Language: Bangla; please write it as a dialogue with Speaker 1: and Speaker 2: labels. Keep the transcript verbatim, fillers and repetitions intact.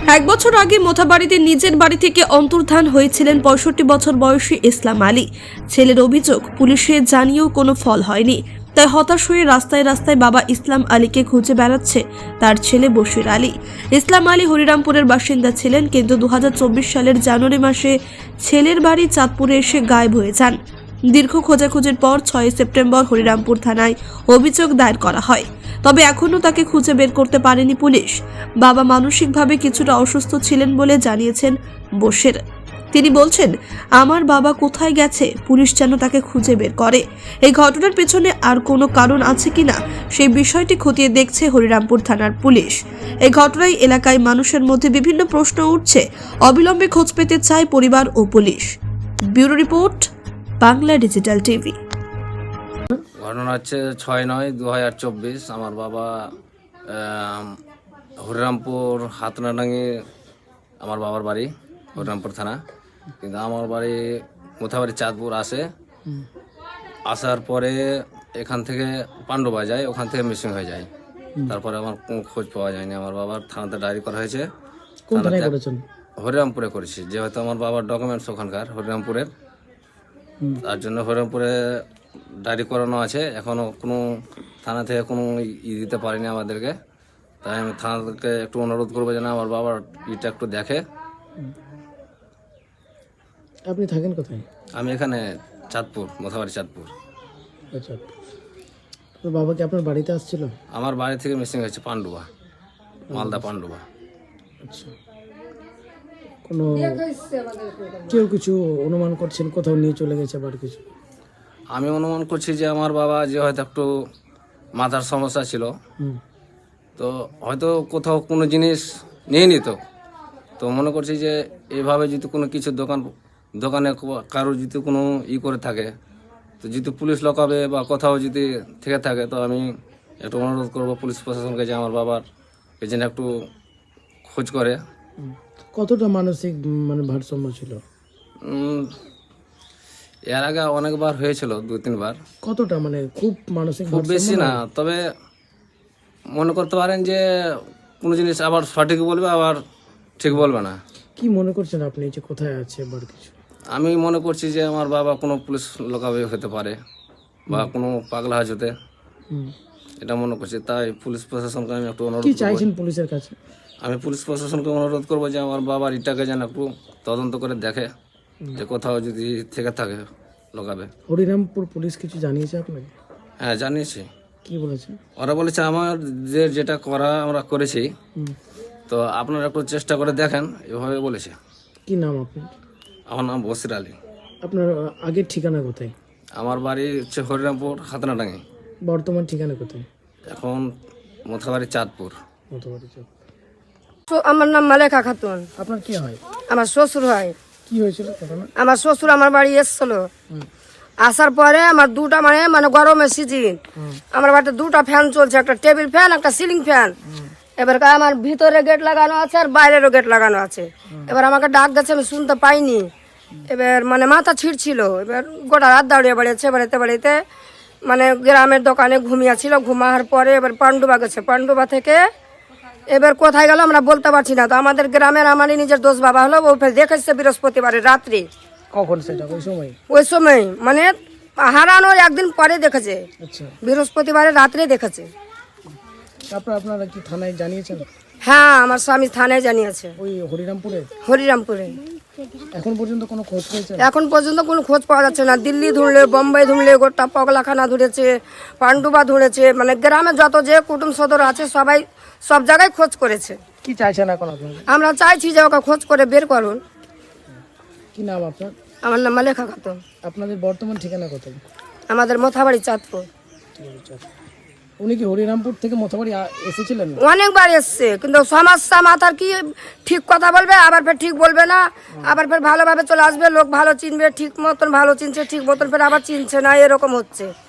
Speaker 1: এক বছর আগে মোথাবাড়িতে নিজের বাড়ি থেকে অন্তর্ধান হয়েছিলেন পঁয়ষট্টি বছর বয়সী ইসলাম আলী। ছেলের অভিযোগ, পুলিশে জানিয়েও কোনো ফল হয়নি, তাই হতাশ হয়ে রাস্তায় রাস্তায় বাবা ইসলাম আলীকে খুঁজে বেড়াচ্ছে তার ছেলে বশির আলী। ইসলাম আলী হরিরামপুরের বাসিন্দা ছিলেন, কিন্তু দু হাজার চব্বিশ সালের জানুয়ারি মাসে ছেলের বাড়ি চাঁদপুরে এসে গায়েব হয়ে যান। দীর্ঘ খোঁজাখুঁজির পর ছয় সেপ্টেম্বর হরিরামপুর থানায় অভিযোগ দায়ের করা হয়, তবে এখনও তাকে খুঁজে বের করতে পারেনি পুলিশ। বাবা মানসিকভাবে কিছুটা অসুস্থ ছিলেন বলে জানিয়েছেন বশির। তিনি বলছেন, আমার বাবা কোথায় গেছে, পুলিশ যেন তাকে খুঁজে বের করে। এই ঘটনার পেছনে আর কোনো কারণ আছে কিনা সেই বিষয়টি খতিয়ে দেখছে হরিরামপুর থানার পুলিশ। এই ঘটনায় এলাকায় মানুষের মধ্যে বিভিন্ন প্রশ্ন উঠছে, অবিলম্বে খোঁজ পেতে চায় পরিবার ও police. Bureau report, Bangla digital TV.
Speaker 2: ঘটনা হচ্ছে ছয় নয় দু হাজার চব্বিশ। আমার বাবা হরিরামপুর হাতনাডাঙ্গি আমার বাবার বাড়ি, হরিরামপুর থানা, কিন্তু আমার বাড়ি মোথাবাড়ি চাঁদপুর আসে। আসার পরে এখান থেকে পাণ্ডবা যায়, ওখান থেকে মিসিং হয়ে যায়। তারপরে আমার কোনো খোঁজ পাওয়া যায়নি। আমার বাবার থানাতে ডায়েরি করা হয়েছে। হরিরামপুরে করেছি, যেহেতু আমার বাবার ডকুমেন্টস ওখানকার হরিরামপুরের, তার জন্য হরিরামপুরে ডায়েরি করানো আছে। এখনও কোনো থানা থেকে কোনো ই দিতে পারেনি আমাদেরকে, তাই আমি থানাকে একটু অনুরোধ করবো যেন আমার বাবার ইটা একটু দেখে।
Speaker 3: আপনি থাকেন কোথায়?
Speaker 2: আমি এখানে চাঁদপুর, মোথাবাড়ি চাঁদপুর।
Speaker 3: আচ্ছা, তো বাবা কি আপনার বাড়িতে আসছিল?
Speaker 2: আমার বাড়ি থেকে মিসিং হয়েছে পাণ্ডবা, মালদা পাণ্ডবা।
Speaker 3: আচ্ছা, কোনো কেউ কিছু অনুমান করছেন কোথাও নিয়ে চলে গেছে আবার কিছু?
Speaker 2: আমি অনুমান করছি যে আমার বাবা যে হয়তো একটু মাথার সমস্যা ছিল, তো হয়তো কোথাও কোনো জিনিস নিয়ে নিত। তো মনে করছি যে এইভাবে যদি কোনো কিছু দোকান দোকানে কারো যদি কোনো ই করে থাকে, তো যদি পুলিশ লকাবে বা কোথাও যদি থেকে থাকে, তো আমি একটু অনুরোধ করবো পুলিশ প্রশাসনকে যে আমার বাবার এই জন্য একটু খোঁজ করে।
Speaker 3: কতটা মানসিক মানে ভারসাম্য ছিল?
Speaker 2: এর আগে অনেকবার হয়েছিল, দু তিনবার।
Speaker 3: কতটা মানে খুব মানসিক?
Speaker 2: খুব বেশি না, তবে মনে করতে পারেন যে কোনো জিনিস আবার সঠিক বলবে, আবার ঠিক বলবে না।
Speaker 3: কি মনে করছেন আপনি যে কোথায় আছে আবার কিছু?
Speaker 2: আমি মনে করছি যে আমার বাবা কোনো পুলিশ লোকাবে হতে পারে বা কোনো পাগলা হাজ হতে, এটা মনে করছি। তাই পুলিশ প্রশাসনকে আমি একটু অনুরোধ
Speaker 3: কি চাইছেন পুলিশের কাছে?
Speaker 2: আমি পুলিশ প্রশাসনকে অনুরোধ করবো যে আমার বাবার ইটাকে যেন একটু তদন্ত করে দেখে, যে কোথাও যদি থেকে থাকে লোকাবে।
Speaker 3: হরিরামপুর পুলিশ কিছু জানিয়েছে আপনাকে?
Speaker 2: হ্যাঁ, জানিয়েছি।
Speaker 3: কি বলেছে?
Speaker 2: ওরা বলেছে আমার যে যেটা করা আমরা করেছি, তো আপনারা একটু চেষ্টা করে দেখেন, এভাবে বলেছে।
Speaker 3: কি নাম আপনার?
Speaker 2: আমার নাম বশির আলী।
Speaker 3: আপনার আগের ঠিকানা কোথায়?
Speaker 2: আমার বাড়ি হচ্ছে হরিরামপুর হাতনাডাঙ্গি।
Speaker 3: বর্তমান ঠিকানা কোথায়?
Speaker 2: এখন মোথাবাড়ি চাঁদপুর।
Speaker 3: মোথাবাড়ি চাঁদপুর।
Speaker 4: আমার নাম মালেকা খাতুন।
Speaker 3: আপনার কি হয়?
Speaker 4: আমার শ্বশুর হয়।
Speaker 3: কি হয়েছিল ঘটনা?
Speaker 4: আমার শ্বশুর আমার বাড়ি এসছিল, আসার পরে আমার দুটা মানে মানে গরমের সিজন, আমার বাড়িতে দুটা ফ্যান চলছে, একটা টেবিল ফ্যান, একটা সিলিং ফ্যান। এবার আমার ভিতরে গেট লাগানো আছে আর বাইরেরও গেট লাগানো আছে। এবার আমাকে ডাক দিচ্ছে, আমি শুনতে পাইনি। এবার মানে মাথা ছিঁড়ছিল, এবার গোটা রাত দাঁড়িয়ে বেড়িয়েছে। বাড়িতে বাড়িতে মানে গ্রামের দোকানে ঘুমিয়েছিল, ঘুমার পরে এবার পাণ্ডবা গেছে। পাণ্ডবা থেকে এবার কোথায় গেল আমরা বলতে পারছি না। তো আমাদের গ্রামের আমারই নিজের দোষ বাবা হলো, ও দেখেছে বৃহস্পতিবারে রাত্রি।
Speaker 3: কখন সেটা? ওই সময়?
Speaker 4: ওই সময় মানে হারানোর একদিন পরে দেখেছে।
Speaker 3: আচ্ছা,
Speaker 4: বৃহস্পতিবারে রাত্রে দেখেছে।
Speaker 3: তারপর আপনারা কি থানায় জানিয়েছেন?
Speaker 4: হ্যাঁ, আমার স্বামী থানায় জানিয়েছে।
Speaker 3: ওই হরিরামপুরে?
Speaker 4: হরিরামপুরে।
Speaker 3: এখন পর্যন্ত কোনো খোঁজ পেয়েছে?
Speaker 4: এখন পর্যন্ত কোনো খোঁজ পাওয়া যাচ্ছে না। দিল্লি ধরলে, বোম্বাই ধরলে, গোটা পগলাখানা ধরেছে, পাণ্ডবা ধরেছে, মানে গ্রামে যত যে কুটুম সদর আছে সবাই সব জায়গায় খোঁজ করেছে।
Speaker 3: কি চাইছেন এখন আপনারা?
Speaker 4: আমরা চাইছি যে ওকে খোঁজ করে বের করুন।
Speaker 3: কি নাম আপনার?
Speaker 4: আমার নাম মালেকা খাতুন।
Speaker 3: আপনাদের বর্তমান ঠিকানা কোথায়?
Speaker 4: আমাদের মোথাবাড়ি চাঁদপুর।
Speaker 3: উনি কি হরিরামপুর থেকে মোথাবাড়ি আ- এসেছিলেন?
Speaker 4: অনেকবার এসছে, কিন্তু সমস্যা মাথার কি ঠিক কথা বলবে, আবার ফের ঠিক বলবে না, আবার ফের ভালোভাবে চলে আসবে, লোক ভালো চিনবে, ঠিক মতন ভালো চিনছে, ঠিক মতন ফের আবার চিনছে না, এরকম হচ্ছে।